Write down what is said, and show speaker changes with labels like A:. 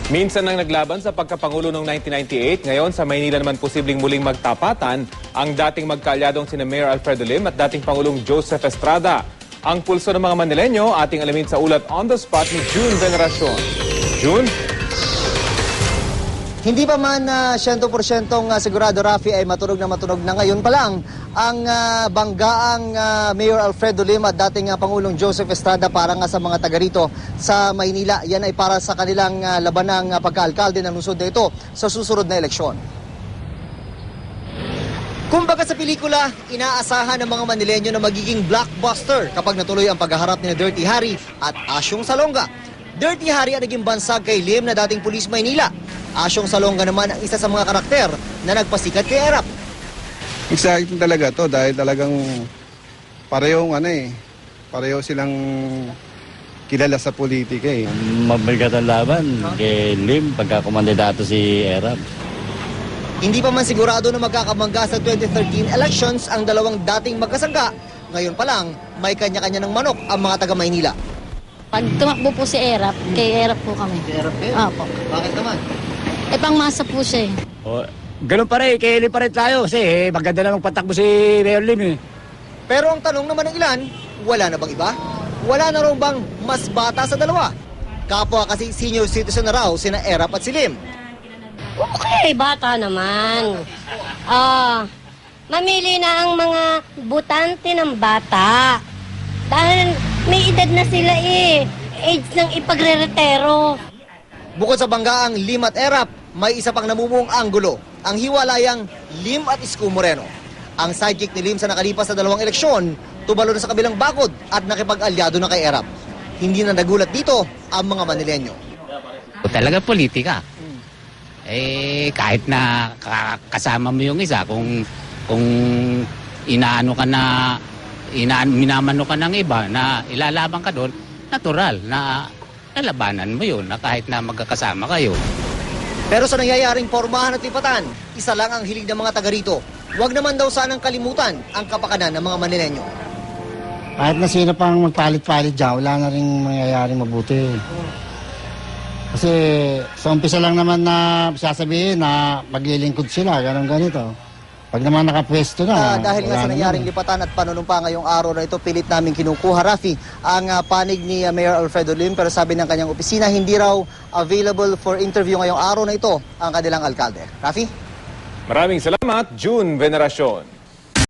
A: Minsan nang naglaban sa pagkapangulo noong 1998, ngayon sa Maynila naman posibleng muling magtapatan ang dating magkaalyadong sina Mayor Alfredo Lim at dating Pangulong Joseph Estrada. Ang pulso ng mga Manileño, ating alamin sa ulat on the spot ni June Veneracion. June?
B: Hindi pa man 100% sigurado, Rafi, ay matunog na ngayon pa lang ang banggaang Mayor Alfredo Lim at dating Pangulong Joseph Estrada para nga sa mga taga rito sa Maynila. Yan ay para sa kanilang labanang pagkaalkalde ng lungsod na ito sa susunod na eleksyon. Kumbaga sa pelikula, inaasahan ng mga Manileño na magiging blockbuster kapag natuloy ang paghaharap ni Dirty Harry at Asyong Salonga. Dirty Harry ang naging bansag kay Lim na dating pulis Maynila. Asyong Salonga naman ang isa sa mga karakter na nagpasikat kay Erap.
C: Exciting talaga to dahil talagang pareho silang kilala sa politika eh.
D: Mabigat ang laban kay Lim pagka kumandidato si Erap.
B: Hindi pa man sigurado na magkakamangga sa 2013 elections ang dalawang dating magkasangga. Ngayon pa lang, may kanya-kanya ng manok ang mga taga Maynila.
E: Pag tumakbo po si Erap, kay Erap po kami.
B: Erap kayo?
E: Opo.
B: Bakit naman?
E: Pangmasa po siya eh.
D: Ganun pa rin, kay Lim pa rin tayo kasi maganda na magpatakbo si Mayor Lim eh.
B: Pero ang tanong naman ng ilan, wala na bang iba? Wala na raw bang mas bata sa dalawa? Kapwa kasi senior citizen na raw sina Erap at si Lim.
F: Okay, bata naman. Mamili na ang mga butante ng bata. Dahil may edad na sila eh. Age ng ipagre-retero.
B: Bukod sa banggaang Lim at Erap, may isa pang namumuong anggulo, ang hiwalayang Lim at Isko Moreno. Ang sidekick ni Lim sa nakalipas na dalawang eleksyon, tubalo na sa kabilang bakod at nakipag-alyado na kay Erap. Hindi na nagulat dito ang mga Manileño.
G: Talaga politika. Kahit na kasama mo yung isa, kung minamano ka ng iba na ilalaban ka doon, natural na lalabanan mo yun na kahit na magkakasama kayo.
B: Pero sa nangyayaring pormahan at lipatan, isa lang ang hilig ng mga taga rito. Huwag naman daw sanang kalimutan ang kapakanan ng mga Manileño.
H: Kahit na sino pang magpalit-palit dyan, wala na rin mangyayaring mabuti. Kasi sa umpisa lang naman na sasabihin na maglilingkod sila, ganito. Pag naman nakapwesto na,
B: dahil nga sa nangyaring lipatan at panunumpa ngayong araw na ito, pilit namin kinukuha, Rafi, ang panig ni Mayor Alfredo Lim. Pero sabi ng kanyang opisina, hindi raw available for interview ngayong araw na ito ang kanilang alkalde. Rafi?
A: Maraming salamat, June Veneracion.